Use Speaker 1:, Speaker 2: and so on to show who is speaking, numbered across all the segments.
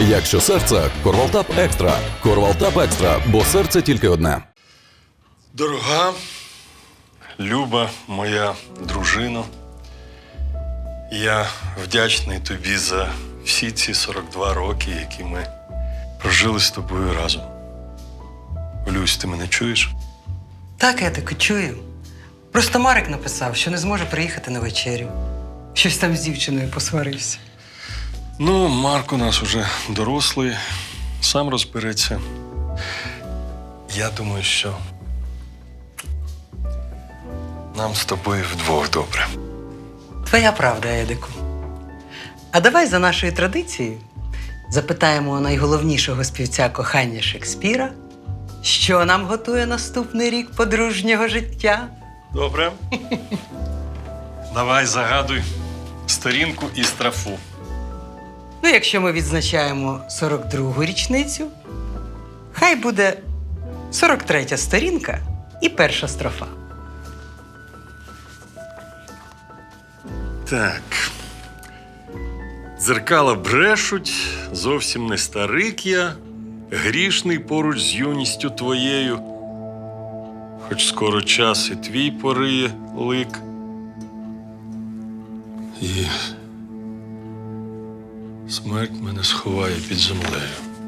Speaker 1: Якщо серце, Корвалтап Екстра. Корвалтап Екстра, бо серце тільки одне.
Speaker 2: Дорога, люба моя дружино, я вдячний тобі за всі ці 42 роки, які ми прожили з тобою разом. Люсь, ти мене чуєш?
Speaker 3: Так, Едику, чую. Просто Марик написав, що не зможе приїхати на вечерю. Щось там з дівчиною посварився.
Speaker 2: Ну, Марк у нас уже дорослий, сам розбереться. Я думаю, що нам з тобою вдвох добре.
Speaker 3: Твоя правда, Едику. А давай за нашою традицією запитаємо у найголовнішого співця кохання Шекспіра, що нам готує наступний рік подружнього життя.
Speaker 2: Добре. Давай загадуй сторінку і страфу.
Speaker 3: Ну, якщо ми відзначаємо 42-гу річницю, хай буде 43-я сторінка і перша строфа.
Speaker 2: Так. Дзеркала брешуть, зовсім не старик я, грішний поруч з юністю твоєю. Хоч скоро час і твій пориє лик. І смерть мене сховає під землею.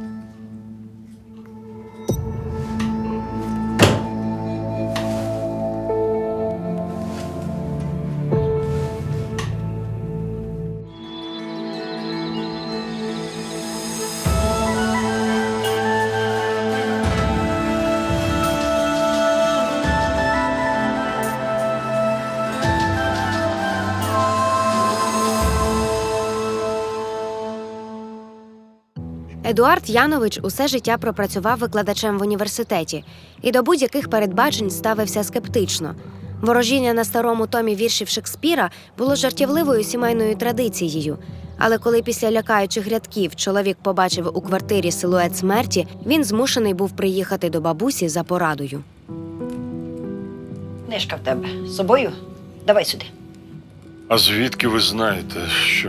Speaker 4: Едуард Янович усе життя пропрацював викладачем в університеті і до будь-яких передбачень ставився скептично. Ворожіння на старому томі віршів Шекспіра було жартівливою сімейною традицією. Але коли після лякаючих рядків чоловік побачив у квартирі силует смерті, він змушений був приїхати до бабусі за порадою.
Speaker 5: Книжка в тебе з собою? Давай сюди.
Speaker 2: А звідки ви знаєте, що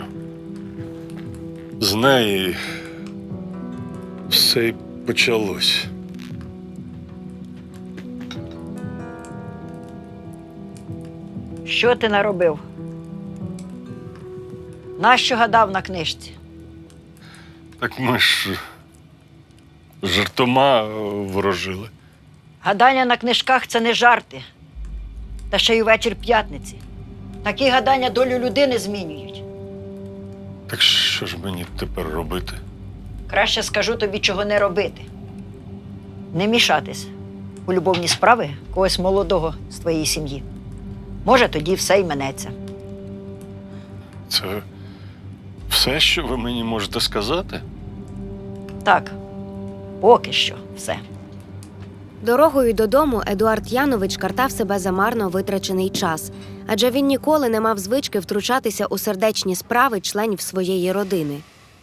Speaker 2: з неї все й почалось?
Speaker 5: Що ти наробив? Нащо гадав на книжці?
Speaker 2: Так ми ж жартома ворожили.
Speaker 5: Гадання на книжках – це не жарти. Та ще й вечір п'ятниці. Такі гадання долю людини змінюють.
Speaker 2: Так що ж мені тепер робити?
Speaker 5: Краще скажу тобі, чого не робити. Не мішатись у любовні справи когось молодого з твоєї сім'ї. Може, тоді все й минеться.
Speaker 2: Це все, що ви мені можете сказати?
Speaker 5: Так, поки що все.
Speaker 4: Дорогою додому Едуард Янович картав себе за марно витрачений час, адже він ніколи не мав звички втручатися у сердечні справи членів своєї родини.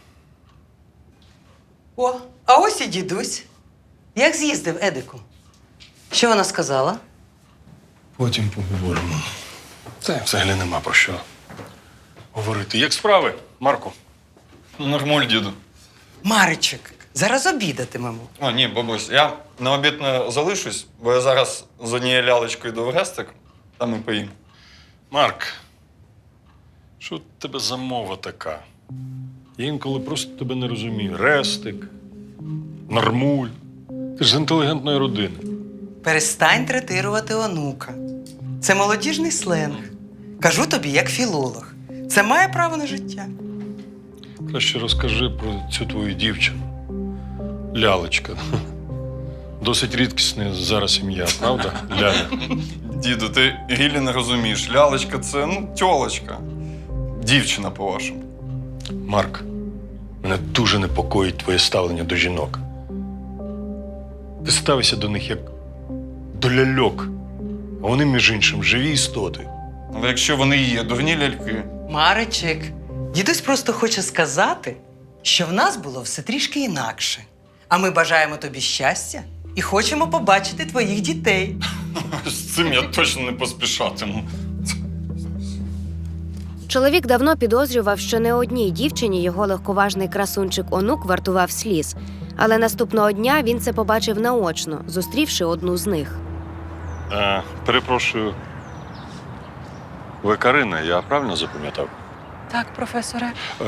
Speaker 3: О, а ось і дідусь. Як з'їздив, Едику? Що вона сказала?
Speaker 2: Потім поговоримо. Це взагалі нема про що говорити. Як справи, Марку?
Speaker 6: Нормуль, діду.
Speaker 3: Маричик, зараз обідатимемо.
Speaker 6: О, ні, бабусь, я на обід не залишусь, бо я зараз з однією лялечкою йду в гестик, там і поїм.
Speaker 2: Марк, що в тебе за мова така? Я інколи просто тебе не розумію. Рестик, нормуль. Ти ж з інтелігентної родини.
Speaker 3: Перестань третирувати онука. Це молодіжний сленг. Кажу тобі, як філолог. Це має право на життя.
Speaker 2: Краще розкажи про цю твою дівчину. Лялечка. Досить рідкісне зараз ім'я, правда? Ляля.
Speaker 6: Діду, ти гілі не розумієш. Лялечка – це, тьолочка. Дівчина, по-вашому.
Speaker 2: Марк, мене дуже непокоїть твоє ставлення до жінок. Ти ставишся до них як до ляльок, а вони, між іншим, живі істоти.
Speaker 6: Але якщо вони є дурні ляльки,
Speaker 3: Маричик, дідусь просто хоче сказати, що в нас було все трішки інакше. А ми бажаємо тобі щастя і хочемо побачити твоїх дітей.
Speaker 6: з цим я точно не поспішатиму.
Speaker 4: Чоловік давно підозрював, що не одній дівчині його легковажний красунчик онук вартував сліз. Але наступного дня він це побачив наочно, зустрівши одну з них.
Speaker 2: Перепрошую. Ви Карина, я правильно запам'ятав?
Speaker 7: Так, професоре.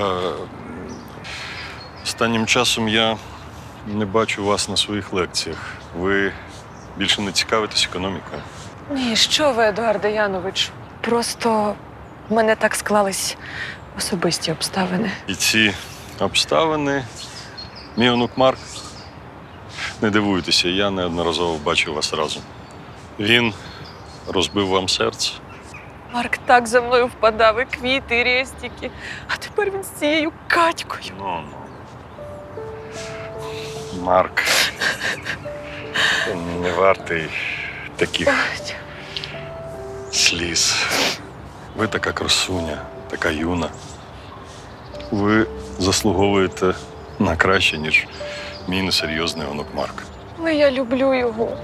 Speaker 2: Останнім часом я не бачу вас на своїх лекціях. Ви більше не цікавитесь економікою.
Speaker 7: Ні, що ви, Едуарде Янович? Просто в мене так склались особисті обставини.
Speaker 2: І ці обставини, мій онук Марк, не дивуйтеся, я неодноразово бачив вас разом. Він розбив вам серце.
Speaker 7: Марк так за мною впадав, і квіти, і рестики. А тепер він з цією Катькою.
Speaker 2: Ну. Марк не вартий таких сліз. Ви така красуня, така юна. Ви заслуговуєте на краще, ніж мій несерйозний онук Марк.
Speaker 7: Але я люблю його.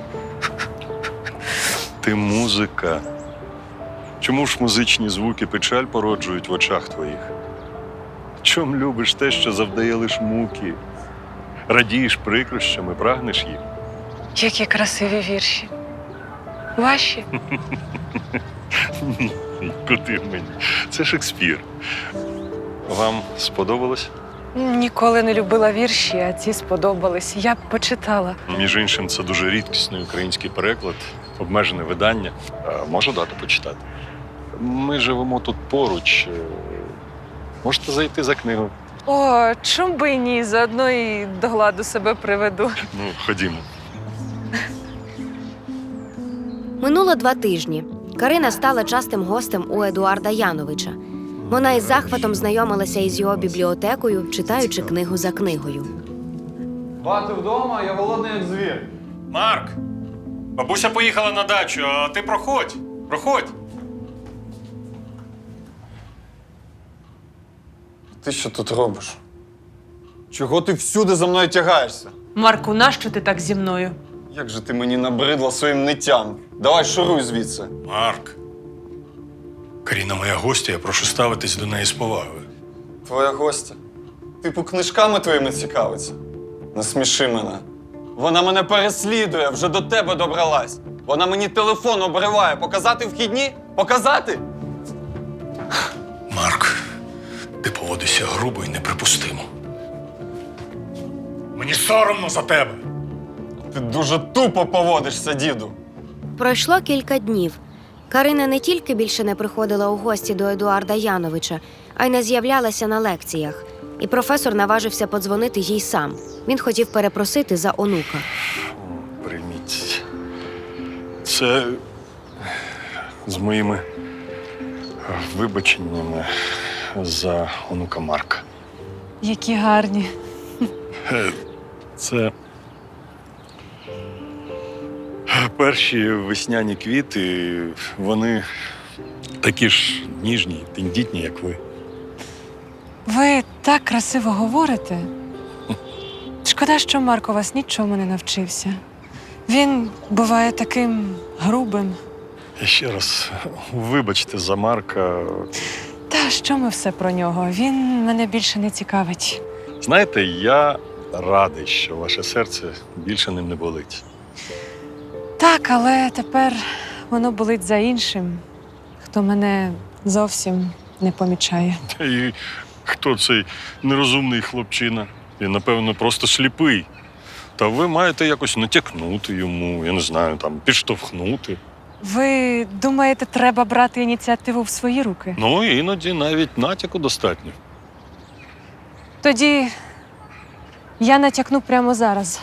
Speaker 2: Ти музика. Чому ж музичні звуки печаль породжують в очах твоїх? Чом любиш те, що завдає лиш муки? Радієш прикрощами, прагнеш їх?
Speaker 7: Які красиві вірші. Ваші?
Speaker 2: Куди мені? Це Шекспір. Вам сподобалось?
Speaker 7: Ніколи не любила вірші, а ці сподобались. Я б почитала.
Speaker 2: Між іншим, це дуже рідкісний український переклад, обмежене видання. Можу дати почитати? Ми живемо тут поруч. Можете зайти за книгу.
Speaker 7: О, чом би і ні, заодно і до ладу себе приведу.
Speaker 2: Ну, ходімо.
Speaker 4: Минуло 2 тижні. Карина стала частим гостем у Едуарда Яновича. Вона із захватом знайомилася із його бібліотекою, читаючи книгу за книгою.
Speaker 6: Бати вдома, я голодний як звір.
Speaker 2: Марк! Бабуся поїхала на дачу, а ти проходь. Проходь.
Speaker 6: Ти що тут робиш? Чого ти всюди за мною тягаєшся?
Speaker 7: Марку, нащо ти так зі мною?
Speaker 6: Як же ти мені набридла своїм ниттям? Давай шуруй звідси.
Speaker 2: Марк. Каріна моя гостя, я прошу ставитись до неї з повагою.
Speaker 6: Твоя гостя. Типу, книжками твоїми цікавиться. Не сміши мене. Вона мене переслідує, вже до тебе добралась. Вона мені телефон обриває. Показати вхідні? Показати?
Speaker 2: Марк, ти поводишся грубо і неприпустимо. Мені соромно за тебе.
Speaker 6: Ти дуже тупо поводишся, діду.
Speaker 4: Пройшло кілька днів. Карина не тільки більше не приходила у гості до Едуарда Яновича, а й не з'являлася на лекціях. І професор наважився подзвонити їй сам. Він хотів перепросити за онука.
Speaker 2: Прийміть. Це з моїми вибаченнями за онука Марка.
Speaker 7: Які гарні.
Speaker 2: Це перші весняні квіти, вони такі ж ніжні, тендітні, як ви.
Speaker 7: Ви так красиво говорите. Шкода, що Марко вас нічому не навчився. Він буває таким грубим.
Speaker 2: І ще раз, вибачте за Марка.
Speaker 7: Та що ми все про нього? Він мене більше не цікавить.
Speaker 2: Знаєте, я радий, що ваше серце більше ним не болить.
Speaker 7: Так, але тепер воно болить за іншим, хто мене зовсім не помічає.
Speaker 2: І хто цей нерозумний хлопчина? Він, напевно, просто сліпий. Та ви маєте якось натякнути йому, я не знаю, там, підштовхнути.
Speaker 7: Ви думаєте, треба брати ініціативу в свої руки?
Speaker 2: Ну, іноді навіть натяку достатньо.
Speaker 7: Тоді я натякну прямо зараз.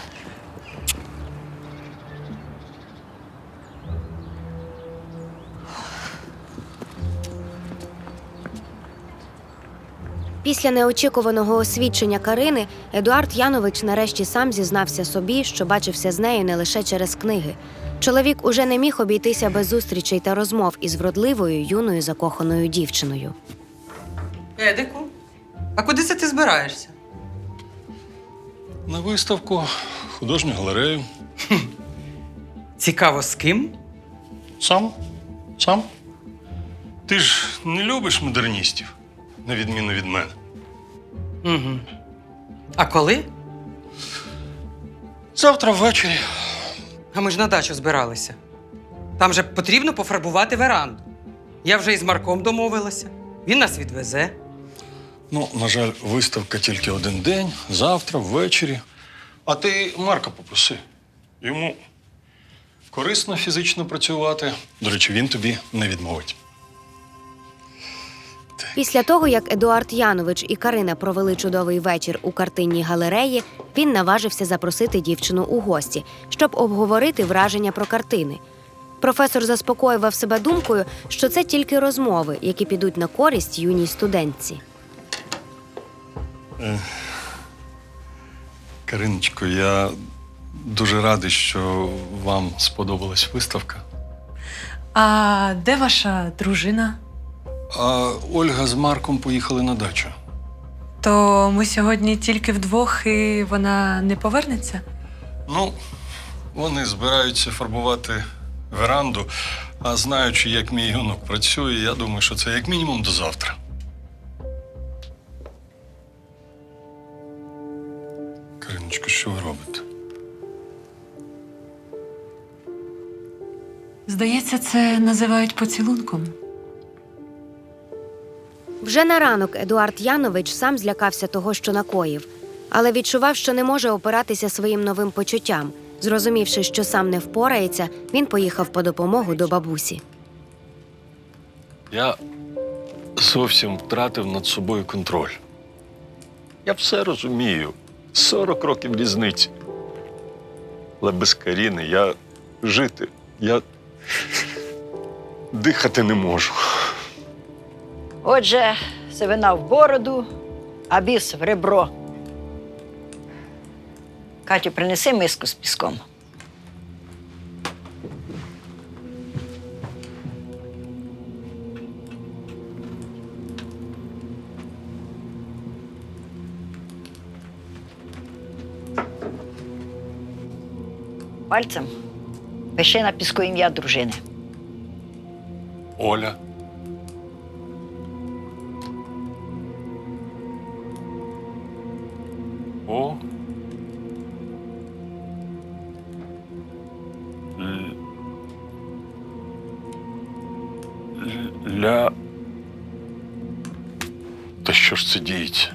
Speaker 4: Після неочікуваного освідчення Карини Едуард Янович нарешті сам зізнався собі, що бачився з нею не лише через книги. Чоловік уже не міг обійтися без зустрічей та розмов із вродливою, юною закоханою дівчиною.
Speaker 3: Едику, а куди це ти збираєшся?
Speaker 2: На виставку, художню галерею.
Speaker 3: Цікаво, з ким?
Speaker 2: Сам? Сам? Ти ж не любиш модерністів. на відміну від мене.
Speaker 3: Угу. А коли?
Speaker 2: Завтра ввечері.
Speaker 3: А ми ж на дачу збиралися. Там же потрібно пофарбувати веранду. Я вже із Марком домовилася. Він нас відвезе.
Speaker 2: Ну, на жаль, виставка тільки один день, завтра, ввечері. А ти Марка попроси. Йому корисно фізично працювати. До речі, він тобі не відмовить.
Speaker 4: Після того, як Едуард Янович і Карина провели чудовий вечір у картинній галереї, він наважився запросити дівчину у гості, щоб обговорити враження про картини. Професор заспокоював себе думкою, що це тільки розмови, які підуть на користь юній студентці.
Speaker 2: Кариночко, я дуже радий, що вам сподобалась виставка.
Speaker 7: А де ваша дружина?
Speaker 2: А Ольга з Марком поїхали на дачу.
Speaker 7: То ми сьогодні тільки вдвох і вона не повернеться?
Speaker 2: Ну, вони збираються фарбувати веранду, а знаючи, як мій юнок працює, я думаю, що це як мінімум до завтра. Кариночко, що ви робите?
Speaker 7: Здається, це називають поцілунком.
Speaker 4: Вже на ранок Едуард Янович сам злякався того, що накоїв, але відчував, що не може опиратися своїм новим почуттям. Зрозумівши, що сам не впорається, він поїхав по допомогу до бабусі.
Speaker 2: Я зовсім втратив над собою контроль. Я все розумію. 40 років різниці. Але без Каріни я жити, я дихати не можу.
Speaker 5: Отже, сивина в бороду, а біс в ребро. Катю, принеси миску з піском. Пальцем пиши на піску ім'я дружини.
Speaker 2: Оля. О. Ля. Та що ж це діється?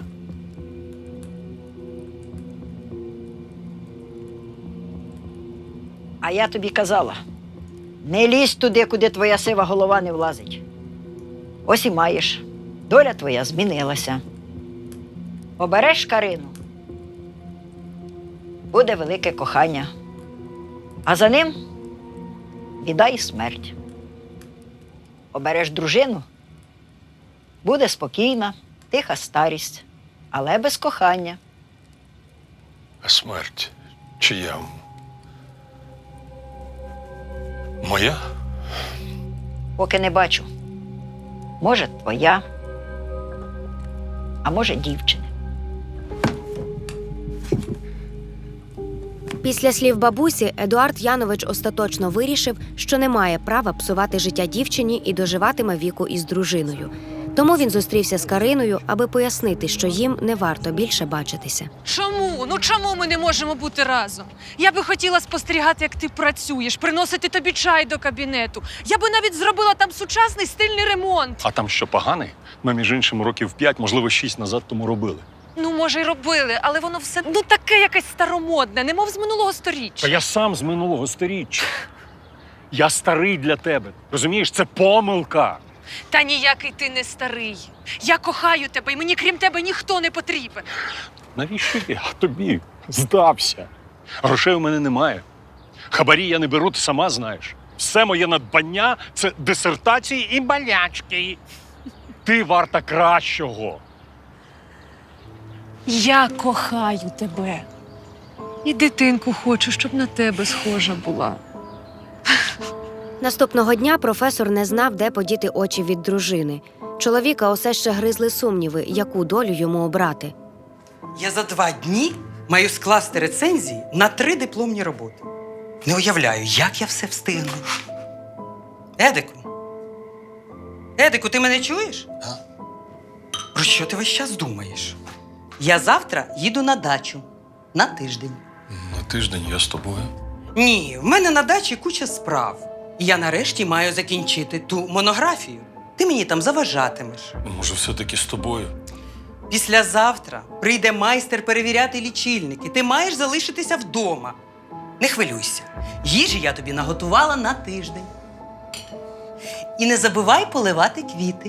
Speaker 5: А я тобі казала, не лізь туди, куди твоя сива голова не влазить. Ось і маєш. Доля твоя змінилася. Обереш Карину, буде велике кохання. А за ним біда і смерть. Обереш дружину, буде спокійна, тиха старість, але без кохання.
Speaker 2: А смерть чия? Моя?
Speaker 5: Поки не бачу. Може, твоя, а може, дівчини.
Speaker 4: Після слів бабусі Едуард Янович остаточно вирішив, що не має права псувати життя дівчині і доживатиме віку із дружиною. Тому він зустрівся з Кариною, аби пояснити, що їм не варто більше бачитися.
Speaker 7: Чому? Ну чому ми не можемо бути разом? Я би хотіла спостерігати, як ти працюєш, приносити тобі чай до кабінету. Я би навіть зробила там сучасний стильний ремонт.
Speaker 2: А там що, поганий? Ми, між іншим, років 5, можливо, 6 назад тому робили.
Speaker 7: Ну, може, й робили, але воно все таке якесь старомодне, немов з минулого сторіччя.
Speaker 8: Та я сам з минулого сторіччя. Я старий для тебе. Розумієш, це помилка.
Speaker 7: Та ніякий ти не старий. Я кохаю тебе, і мені крім тебе ніхто не потрібен.
Speaker 8: Навіщо я тобі здався? Грошей у мене немає. Хабарі я не беру, ти сама знаєш. Все моє надбання – це дисертації і болячки. Ти варта кращого.
Speaker 7: Я кохаю тебе. І дитинку хочу, щоб на тебе схожа була.
Speaker 4: Наступного дня професор не знав, де подіти очі від дружини. Чоловіка усе ще гризли сумніви, яку долю йому обрати.
Speaker 3: Я за 2 дні маю скласти рецензії на 3 дипломні роботи. Не уявляю, як я все встигну. Едику, ти мене чуєш? Про що ти весь час думаєш? Я завтра їду на дачу. На тиждень.
Speaker 2: На тиждень я з тобою.
Speaker 3: Ні, в мене на дачі куча справ. І я нарешті маю закінчити ту монографію. Ти мені там заважатимеш.
Speaker 2: Може, все-таки з тобою?
Speaker 3: Післязавтра прийде майстер перевіряти лічильники. Ти маєш залишитися вдома. Не хвилюйся. Їжі я тобі наготувала на тиждень. І не забувай поливати квіти.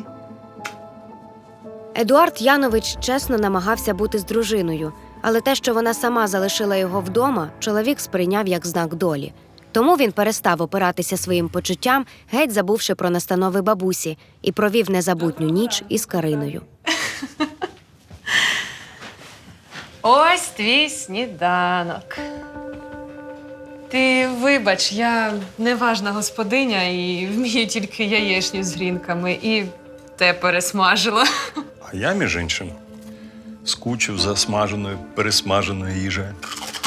Speaker 4: Едуард Янович чесно намагався бути з дружиною, але те, що вона сама залишила його вдома, чоловік сприйняв як знак долі. Тому він перестав опиратися своїм почуттям, геть забувши про настанови бабусі, і провів незабутню ніч із Кариною.
Speaker 7: Ось твій сніданок. Ти вибач, я неважна господиня і вмію тільки яєчню з грінками, і те пересмажила.
Speaker 2: А я, між іншим, скучив за смаженою, пересмаженою їжею.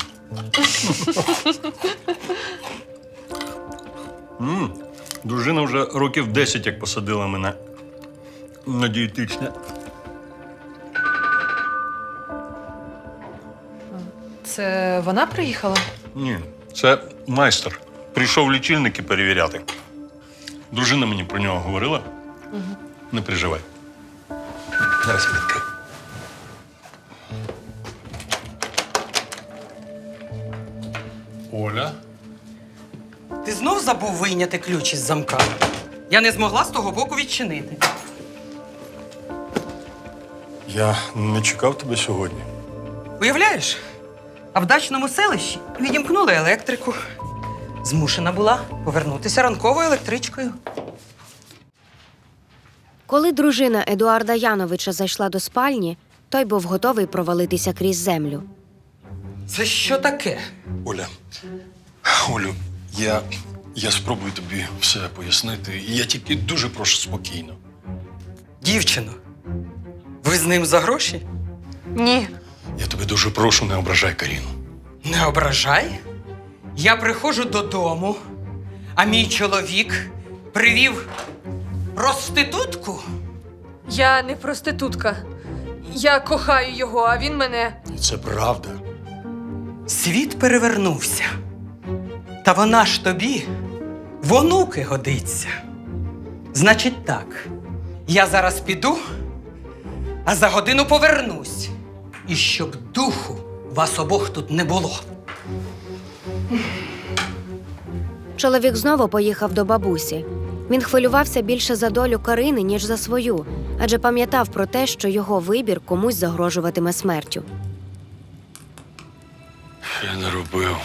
Speaker 2: Дружина вже років 10 як посадила мене на дієтичне.
Speaker 7: Це вона приїхала?
Speaker 2: Ні, це майстер. Прийшов лічильники перевіряти. Дружина мені про нього говорила. Не переживай. Зараз відкрию. Оля?
Speaker 3: Ти знов забув вийняти ключ із замка? Я не змогла з того боку відчинити.
Speaker 2: Я не чекав тебе сьогодні.
Speaker 3: Уявляєш? А в дачному селищі відімкнули електрику. Змушена була повернутися ранковою електричкою.
Speaker 4: Коли дружина Едуарда Яновича зайшла до спальні, той був готовий провалитися крізь землю.
Speaker 3: Це що таке?
Speaker 2: Олю, я спробую тобі все пояснити. Я тільки дуже прошу спокійно.
Speaker 3: Дівчино, ви з ним за гроші?
Speaker 7: Ні.
Speaker 2: Я тебе дуже прошу, не ображай Каріну.
Speaker 3: Не ображай. Я приходжу додому, а мій чоловік привів проститутку.
Speaker 7: Я не проститутка. Я кохаю його, а він мене.
Speaker 2: І це правда.
Speaker 3: Світ перевернувся. Та вона ж тобі в онуки годиться. Значить так, я зараз піду, а за годину повернусь. І щоб духу вас обох тут не було.
Speaker 4: Чоловік знову поїхав до бабусі. Він хвилювався більше за долю Карини, ніж за свою, адже пам'ятав про те, що його вибір комусь загрожуватиме смертю.
Speaker 2: Я не робив.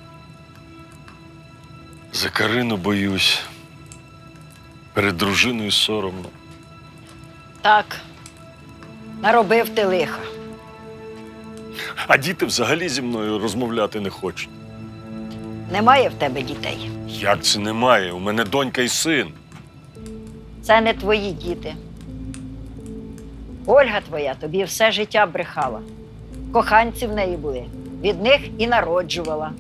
Speaker 2: За Карину боюсь. Перед дружиною соромно.
Speaker 5: Так, наробив ти лиха.
Speaker 2: А діти взагалі зі мною розмовляти не хочуть.
Speaker 5: Немає в тебе дітей.
Speaker 2: Як це немає? У мене донька і син.
Speaker 5: Це не твої діти. Ольга твоя тобі все життя брехала. Коханці в неї були. Від них і народжувала.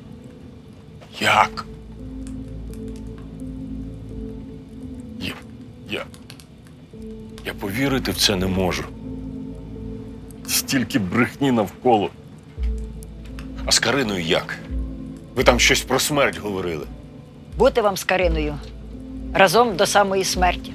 Speaker 2: Як? Я повірити в це не можу. Стільки брехні навколо. А з Кариною як? Ви там щось про смерть говорили.
Speaker 5: Бути вам з Кариною разом до самої смерті.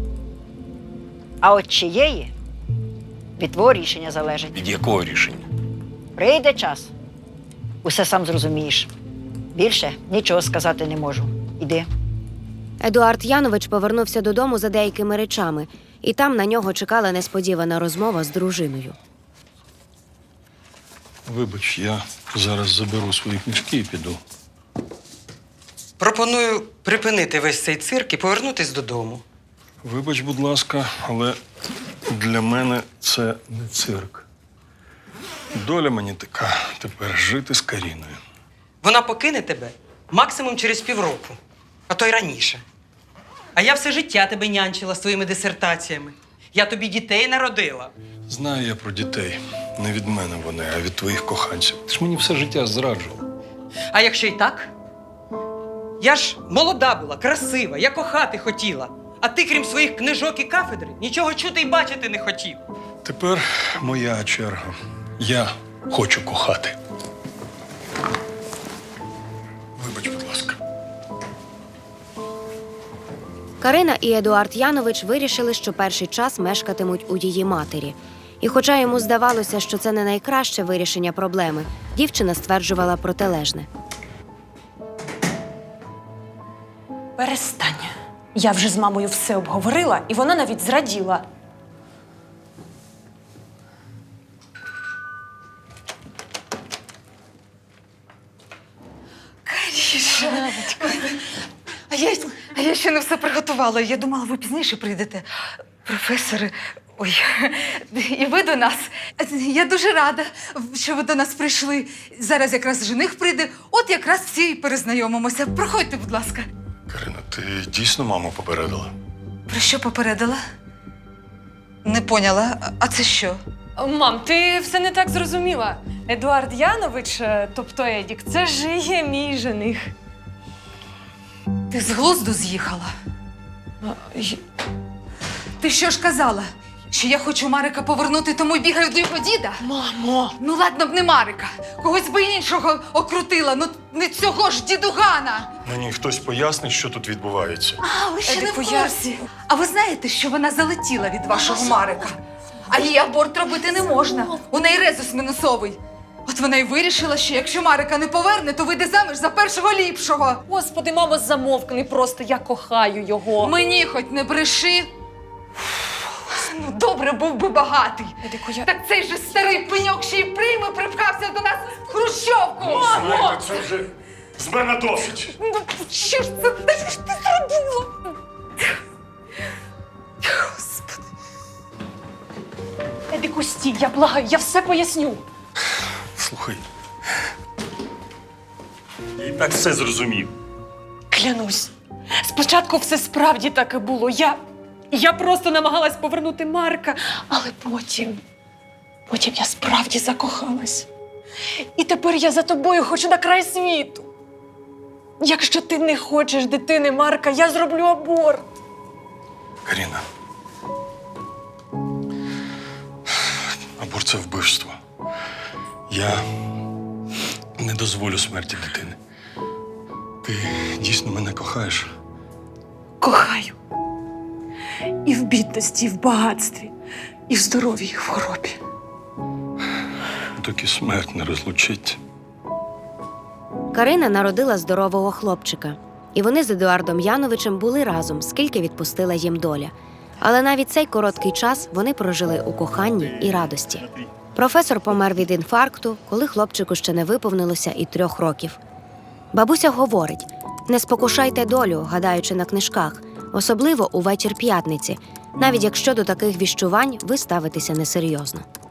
Speaker 5: А от чиєї від твого рішення залежить.
Speaker 2: Від якого рішення?
Speaker 5: Прийде час. Усе сам зрозумієш. Більше нічого сказати не можу. Іди.
Speaker 4: Едуард Янович повернувся додому за деякими речами, і там на нього чекала несподівана розмова з дружиною.
Speaker 2: Вибач, я зараз заберу свої книжки і піду.
Speaker 3: Пропоную припинити весь цей цирк і повернутись додому.
Speaker 2: Вибач, будь ласка, але для мене це не цирк. Доля мені така тепер жити з Каріною.
Speaker 3: Вона покине тебе максимум через півроку, а то й раніше. А я все життя тебе нянчила своїми дисертаціями. Я тобі дітей народила.
Speaker 2: Знаю я про дітей. Не від мене вони, а від твоїх коханців. Ти ж мені все життя зраджував.
Speaker 3: А якщо й так? Я ж молода була, красива, я кохати хотіла. А ти, крім своїх книжок і кафедри, нічого чути й бачити не хотів.
Speaker 2: Тепер моя черга. Я хочу кохати. Вибач, будь ласка.
Speaker 4: Карина і Едуард Янович вирішили, що перший час мешкатимуть у її матері. І хоча йому здавалося, що це не найкраще вирішення проблеми, дівчина стверджувала протилежне.
Speaker 9: Перестань. Я вже з мамою все обговорила, і вона навіть зраділа.
Speaker 10: А я ще не все приготувала. Я думала, ви пізніше прийдете. Професори, ой, і ви до нас. Я дуже рада, що ви до нас прийшли. Зараз якраз жених прийде, от якраз всі і перезнайомимося. Проходьте, будь ласка.
Speaker 2: Карина, ти дійсно маму попередила?
Speaker 10: Про що попередила? Не поняла. А це що?
Speaker 7: Мам, ти все не так зрозуміла. Едуард Янович, тобто Едік, це ж є мій жених.
Speaker 10: Ти з глузду з'їхала? Ти що ж казала? Що я хочу Марика повернути, тому й бігаю до його діда?
Speaker 7: Мамо!
Speaker 10: Ну ладно б не Марика. Когось би іншого окрутила, ну не цього ж дідугана.
Speaker 2: Мені хтось пояснить, що тут відбувається.
Speaker 10: А, ви ще не в
Speaker 9: Едику, я-
Speaker 10: курсі. А ви знаєте, що вона залетіла від вашого Марика? А їй аборт робити не можна. У неї резус мінусовий. От вона й вирішила, що якщо Марика не поверне, то вийде заміж за першого ліпшого.
Speaker 9: Господи, мамо, замовкни просто, я кохаю його.
Speaker 10: Мені хоч не бреши. Ну, добре, був би багатий.
Speaker 9: Едику, я...
Speaker 10: Так цей же старий пеньок ще й прийме припхався до нас в хрущовку.
Speaker 2: Слухайте, це вже з мене досить.
Speaker 10: Ну, що ж це? Та що ж ти зробила? Господи.
Speaker 9: Едику, стій, я благаю, я все поясню.
Speaker 2: Слухай. Я і так все зрозумів.
Speaker 9: Клянусь, спочатку все справді так і було. Я просто намагалась повернути Марка, але потім я справді закохалась. І тепер я за тобою хочу на край світу. Якщо ти не хочеш дитини Марка, я зроблю аборт.
Speaker 2: Каріна. Аборт – це вбивство. Я не дозволю смерті дитини. Ти дійсно мене кохаєш?
Speaker 9: Кохаю. І в бідності, і в багатстві, і в здоров'ї, і в хворобі.
Speaker 2: Доки смерть не розлучить.
Speaker 4: Карина народила здорового хлопчика. І вони з Едуардом Яновичем були разом, скільки відпустила їм доля. Але навіть цей короткий час вони прожили у коханні і радості. Професор помер від інфаркту, коли хлопчику ще не виповнилося і 3 років. Бабуся говорить: не спокушайте долю, гадаючи на книжках, особливо у вечір п'ятниці, навіть якщо до таких віщувань ви ставитеся несерйозно.